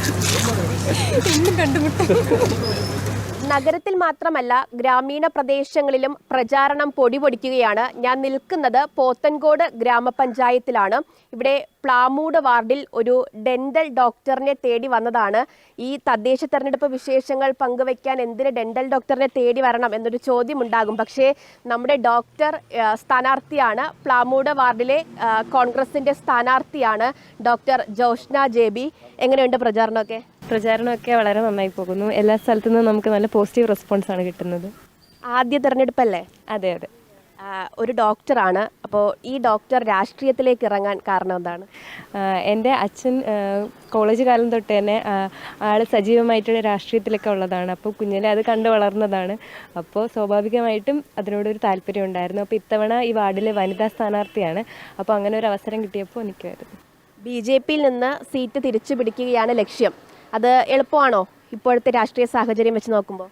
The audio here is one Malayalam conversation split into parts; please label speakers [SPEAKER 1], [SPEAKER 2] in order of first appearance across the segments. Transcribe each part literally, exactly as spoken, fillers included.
[SPEAKER 1] നഗരത്തിൽ മാത്രമല്ല ഗ്രാമീണ പ്രദേശങ്ങളിലും പ്രചാരണം പൊടിപൊടിക്കുകയാണ്. ഞാൻ നിൽക്കുന്നത് പോത്തൻകോട് ഗ്രാമപഞ്ചായത്തിലാണ്. ഇവിടെ പ്ലാമൂട് വാർഡിൽ ഒരു ഡെന്റൽ ഡോക്ടറിനെ തേടി വന്നതാണ്. ഈ തദ്ദേശ തെരഞ്ഞെടുപ്പ് വിശേഷങ്ങൾ പങ്കുവയ്ക്കാൻ എന്തിന് ഡെന്റൽ ഡോക്ടറിനെ തേടി വരണം എന്നൊരു ചോദ്യം ഉണ്ടാകും. പക്ഷേ നമ്മുടെ ഡോക്ടർ സ്ഥാനാർത്ഥിയാണ്. പ്ലാമൂട് വാർഡിലെ കോൺഗ്രസിന്റെ സ്ഥാനാർത്ഥിയാണ് ഡോക്ടർ ജോഷ്ന ജെ ബി. എങ്ങനെയുണ്ട് പ്രചാരണമൊക്കെ?
[SPEAKER 2] പ്രചാരണമൊക്കെ വളരെ നന്നായി പോകുന്നു. എല്ലാ സ്ഥലത്തു നിന്നും നമുക്ക് നല്ല പോസിറ്റീവ് റെസ്പോൺസ് ആണ് കിട്ടുന്നത്.
[SPEAKER 1] ആദ്യ തെരഞ്ഞെടുപ്പല്ലേ?
[SPEAKER 2] അതെ അതെ.
[SPEAKER 1] ഒരു ഡോക്ടറാണ്. അപ്പോൾ ഈ ഡോക്ടർ രാഷ്ട്രീയത്തിലേക്ക് ഇറങ്ങാൻ കാരണം എന്താണ്?
[SPEAKER 2] എൻ്റെ അച്ഛൻ കോളേജ് കാലം തൊട്ട് തന്നെ ആൾ സജീവമായിട്ട് രാഷ്ട്രീയത്തിലൊക്കെ ഉള്ളതാണ്. അപ്പോൾ കുഞ്ഞിലെ അത് കണ്ടു വളർന്നതാണ്. അപ്പോൾ സ്വാഭാവികമായിട്ടും അതിനോടൊരു താല്പര്യം ഉണ്ടായിരുന്നു. അപ്പോൾ ഇത്തവണ ഈ വാർഡിലെ വനിതാ സ്ഥാനാർത്ഥിയാണ്. അപ്പോൾ അങ്ങനെ ഒരു അവസരം കിട്ടിയപ്പോൾ എനിക്കായിരുന്നു.
[SPEAKER 1] ബി ജെ പിയിൽ നിന്ന് സീറ്റ് തിരിച്ചു പിടിക്കുകയാണ് ലക്ഷ്യം. അത് എളുപ്പമാണോ ഇപ്പോഴത്തെ രാഷ്ട്രീയ സാഹചര്യം വെച്ച് നോക്കുമ്പോൾ?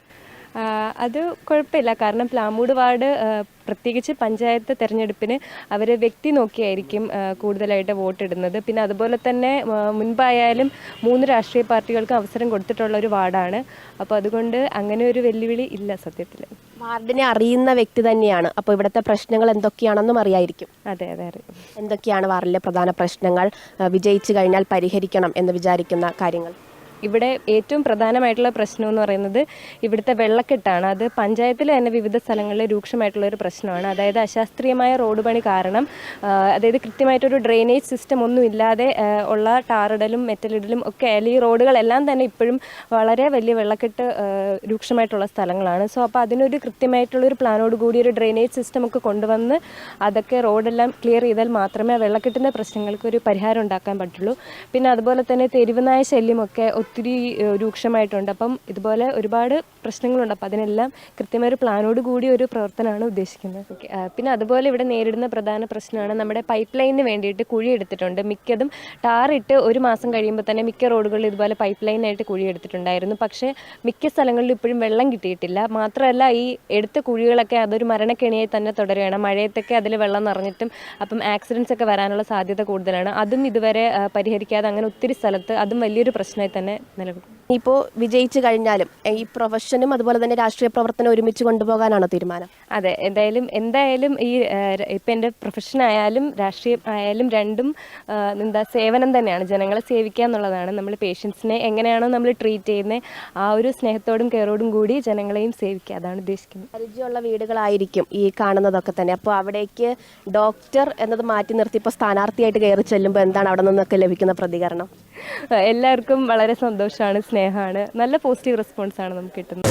[SPEAKER 2] അത് കുഴപ്പമില്ല. കാരണം പ്ലാമൂട് വാർഡ് പ്രത്യേകിച്ച് പഞ്ചായത്ത് തെരഞ്ഞെടുപ്പിന് അവർ വ്യക്തി നോക്കിയായിരിക്കും കൂടുതലായിട്ട് വോട്ടിടുന്നത്. പിന്നെ അതുപോലെ തന്നെ മുൻപായാലും മൂന്ന് രാഷ്ട്രീയ പാർട്ടികൾക്ക് അവസരം കൊടുത്തിട്ടുള്ള ഒരു വാർഡാണ്. അപ്പോൾ അതുകൊണ്ട് അങ്ങനെ ഒരു വെല്ലുവിളി ഇല്ല സത്യത്തിൽ.
[SPEAKER 1] വാർഡിനെ അറിയുന്ന വ്യക്തി തന്നെയാണ്. അപ്പോൾ ഇവിടുത്തെ പ്രശ്നങ്ങൾ എന്തൊക്കെയാണെന്നും അറിയായിരിക്കും.
[SPEAKER 2] അതെ അതെ അറിയാം.
[SPEAKER 1] എന്തൊക്കെയാണ് വാർഡിലെ പ്രധാന പ്രശ്നങ്ങൾ, വിജയിച്ചു കഴിഞ്ഞാൽ പരിഹരിക്കണം എന്ന് വിചാരിക്കുന്ന കാര്യങ്ങൾ?
[SPEAKER 2] ഇവിടെ ഏറ്റവും പ്രധാനമായിട്ടുള്ള പ്രശ്നം എന്ന് പറയുന്നത് ഇവിടുത്തെ വെള്ളക്കെട്ടാണ്. അത് പഞ്ചായത്തിൽ തന്നെ വിവിധ സ്ഥലങ്ങളിൽ രൂക്ഷമായിട്ടുള്ളൊരു പ്രശ്നമാണ്. അതായത് അശാസ്ത്രീയമായ റോഡ് പണി കാരണം, അതായത് കൃത്യമായിട്ടൊരു ഡ്രെയിനേജ് സിസ്റ്റം ഒന്നും ഇല്ലാതെ ഉള്ള ടാറിടലും മെറ്റലിടലും ഒക്കെ ആയാലും ഈ റോഡുകളെല്ലാം തന്നെ ഇപ്പോഴും വളരെ വലിയ വെള്ളക്കെട്ട് രൂക്ഷമായിട്ടുള്ള സ്ഥലങ്ങളാണ്. സോ അപ്പോൾ അതിനൊരു കൃത്യമായിട്ടുള്ളൊരു പ്ലാനോട് കൂടി ഒരു ഡ്രെയിനേജ് സിസ്റ്റം ഒക്കെ കൊണ്ടുവന്ന് അതൊക്കെ റോഡെല്ലാം ക്ലിയർ ചെയ്താൽ മാത്രമേ ആ വെള്ളക്കെട്ടിൻ്റെ പ്രശ്നങ്ങൾക്ക് ഒരു പരിഹാരം ഉണ്ടാക്കാൻ പറ്റുള്ളൂ. പിന്നെ അതുപോലെ തന്നെ തെരുവുനായ ശല്യമൊക്കെ ഒത്തിരി രൂക്ഷമായിട്ടുണ്ട്. അപ്പം ഇതുപോലെ ഒരുപാട് പ്രശ്നങ്ങളുണ്ട്. അപ്പം അതിനെല്ലാം കൃത്യമായ ഒരു പ്ലാനോട് കൂടി ഒരു പ്രവർത്തനമാണ് ഉദ്ദേശിക്കുന്നത്. ഓക്കെ. പിന്നെ അതുപോലെ ഇവിടെ നേരിടുന്ന പ്രധാന പ്രശ്നമാണ് നമ്മുടെ പൈപ്പ് ലൈനിന് വേണ്ടിയിട്ട് കുഴി എടുത്തിട്ടുണ്ട്. മിക്കതും ടാറിട്ട് ഒരു മാസം കഴിയുമ്പോൾ തന്നെ മിക്ക റോഡുകളിൽ ഇതുപോലെ പൈപ്പ് ലൈനായിട്ട് കുഴി എടുത്തിട്ടുണ്ടായിരുന്നു. പക്ഷേ മിക്ക സ്ഥലങ്ങളിലും ഇപ്പോഴും വെള്ളം കിട്ടിയിട്ടില്ല. മാത്രമല്ല ഈ എടുത്ത കുഴികളൊക്കെ അതൊരു മരണക്കെണിയായി തന്നെ തുടരുകയാണ്. മഴയത്തൊക്കെ അതിൽ വെള്ളം നിറഞ്ഞിട്ടും അപ്പം ആക്സിഡൻസ് ഒക്കെ വരാനുള്ള സാധ്യത കൂടുതലാണ്. അതും ഇതുവരെ പരിഹരിക്കാതെ അങ്ങനെ ഒത്തിരി സ്ഥലത്ത് അതും വലിയൊരു പ്രശ്നമായി തന്നെ നിലവിൽ.
[SPEAKER 1] ഇപ്പോൾ വിജയിച്ചു കഴിഞ്ഞാലും ഈ പ്രൊഫഷനും അതുപോലെ തന്നെ രാഷ്ട്രീയ പ്രവർത്തനം ഒരുമിച്ച് കൊണ്ടുപോകാനാണോ തീരുമാനം?
[SPEAKER 2] അതെ, എന്തായാലും എന്തായാലും ഈ ഇപ്പം എൻ്റെ പ്രൊഫഷൻ ആയാലും രാഷ്ട്രീയം ആയാലും രണ്ടും എന്താ സേവനം തന്നെയാണ്. ജനങ്ങളെ സേവിക്കുക എന്നുള്ളതാണ്. നമ്മൾ പേഷ്യൻസിനെ എങ്ങനെയാണോ നമ്മൾ ട്രീറ്റ് ചെയ്യുന്നത് ആ ഒരു സ്നേഹത്തോടും കെയറോടും കൂടി ജനങ്ങളെയും സേവിക്കുക, അതാണ് ഉദ്ദേശിക്കുന്നത്.
[SPEAKER 1] പരിചയമുള്ള വീടുകളായിരിക്കും ഈ കാണുന്നതൊക്കെ തന്നെ. അപ്പോൾ അവിടേക്ക് ഡോക്ടർ എന്നത് മാറ്റി നിർത്തി ഇപ്പോൾ സ്ഥാനാർത്ഥിയായിട്ട് കയറി ചെല്ലുമ്പോൾ എന്താണ് അവിടെ നിന്നൊക്കെ ലഭിക്കുന്ന പ്രതികരണം?
[SPEAKER 2] എല്ലാവർക്കും വളരെ സന്തോഷമാണ്, സ്നേഹമാണ്, നല്ല പോസിറ്റീവ് റെസ്പോൺസ് ആണ് നമുക്ക് കിട്ടുന്നത്.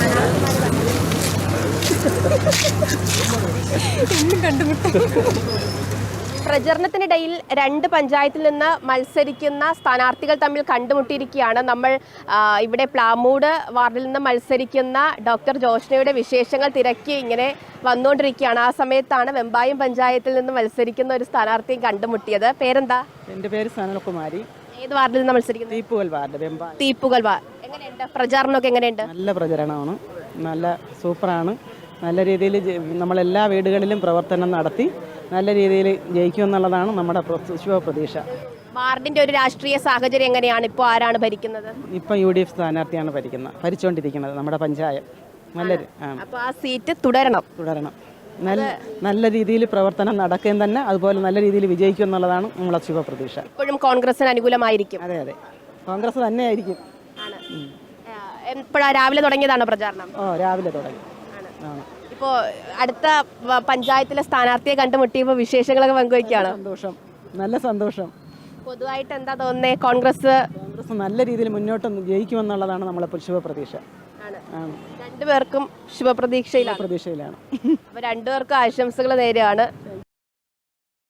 [SPEAKER 1] പ്രചരണത്തിനിടയിൽ രണ്ട് പഞ്ചായത്തിൽ നിന്ന് മത്സരിക്കുന്ന സ്ഥാനാർത്ഥികൾ തമ്മിൽ കണ്ടുമുട്ടിയിരിക്കുകയാണ്. നമ്മൾ ഇവിടെ പ്ലാമൂട് വാർഡിൽ നിന്ന് മത്സരിക്കുന്ന ഡോക്ടർ ജോഷ്നയുടെ വിശേഷങ്ങൾ തിരക്കി ഇങ്ങനെ വന്നുകൊണ്ടിരിക്കുകയാണ്. ആ സമയത്താണ് വെമ്പായം പഞ്ചായത്തിൽ നിന്ന് മത്സരിക്കുന്ന ഒരു സ്ഥാനാർത്ഥിയെ കണ്ടുമുട്ടിയത്. പേരെന്താ?
[SPEAKER 3] എൻ്റെ പേര് സനൽകുമാരി.
[SPEAKER 1] ഏത് വാർഡിൽ നിന്ന് മത്സരിക്കുന്നത്?
[SPEAKER 3] തീപ്പുകൽ വാർഡ്, വെമ്പായം.
[SPEAKER 1] തീപ്പുകൽ വാർഡ്. എങ്ങനെയുണ്ട് പ്രചാരണമൊക്കെ? എങ്ങനെയുണ്ട്?
[SPEAKER 3] നല്ല പ്രചരണമാണ്, നല്ല സൂപ്പറാണ്. നല്ല രീതിയിൽ നമ്മളെല്ലാ വീടുകളിലും പ്രവർത്തനം നടത്തി നല്ല രീതിയിൽ ജയിക്കുമെന്നുള്ളതാണ് നമ്മുടെ ശുഭപ്രതീക്ഷ.
[SPEAKER 1] വാർഡിന്റെ ഒരു രാഷ്ട്രീയ സാഹചര്യം എങ്ങനെയാണ്? ഇപ്പോൾ ആരാണ് ഭരിക്കുന്നത്?
[SPEAKER 3] ഇപ്പം യു ഡി എഫ് സ്ഥാനാർത്ഥിയാണ് ഭരിക്കുന്നത് ഭരിച്ചുകൊണ്ടിരിക്കുന്നത് നമ്മുടെ പഞ്ചായത്ത്. നല്ലൊരു
[SPEAKER 1] അപ്പോൾ ആ സീറ്റ് തുടരണം
[SPEAKER 3] തുടരണം നല്ല നല്ല രീതിയിൽ പ്രവർത്തനം നടക്കുകയും തന്നെ അതുപോലെ നല്ല രീതിയിൽ വിജയിക്കും എന്നുള്ളതാണ് നമ്മളെ ശുഭപ്രതീക്ഷ.
[SPEAKER 1] ഇപ്പോഴും കോൺഗ്രസിന് അനുകൂലമായിരിക്കും?
[SPEAKER 3] അതെ അതെ, കോൺഗ്രസ് തന്നെയായിരിക്കും.
[SPEAKER 1] എപ്പോഴാ? രാവിലെ തുടങ്ങിയതാണോ പ്രചാരണം?
[SPEAKER 3] ഓ, രാവിലെ തുടങ്ങി.
[SPEAKER 1] ഇപ്പോൾ അടുത്ത പഞ്ചായത്തിലെ സ്ഥാനാർത്ഥിയെ കണ്ടുമുട്ടിയപ്പോൾ വിശേഷങ്ങളൊക്കെ പങ്കുവയ്ക്കുകയാണ്.
[SPEAKER 3] സന്തോഷം, നല്ല സന്തോഷം.
[SPEAKER 1] പൊതുവായിട്ട് എന്താ തോന്നുന്നത്? കോൺഗ്രസ്
[SPEAKER 3] കോൺഗ്രസ് നല്ല രീതിയിൽ മുന്നോട്ട് ജയിക്കുമെന്നുള്ളതാണ് നമ്മളെ ശുഭപ്രതീക്ഷ.
[SPEAKER 1] രണ്ടുപേർക്കും ശുഭപ്രതീക്ഷയിലാണ്.
[SPEAKER 3] പ്രതീക്ഷയിലാണ്.
[SPEAKER 1] അപ്പോൾ രണ്ടുപേർക്കും ആശംസകൾ നേരെയാണ്.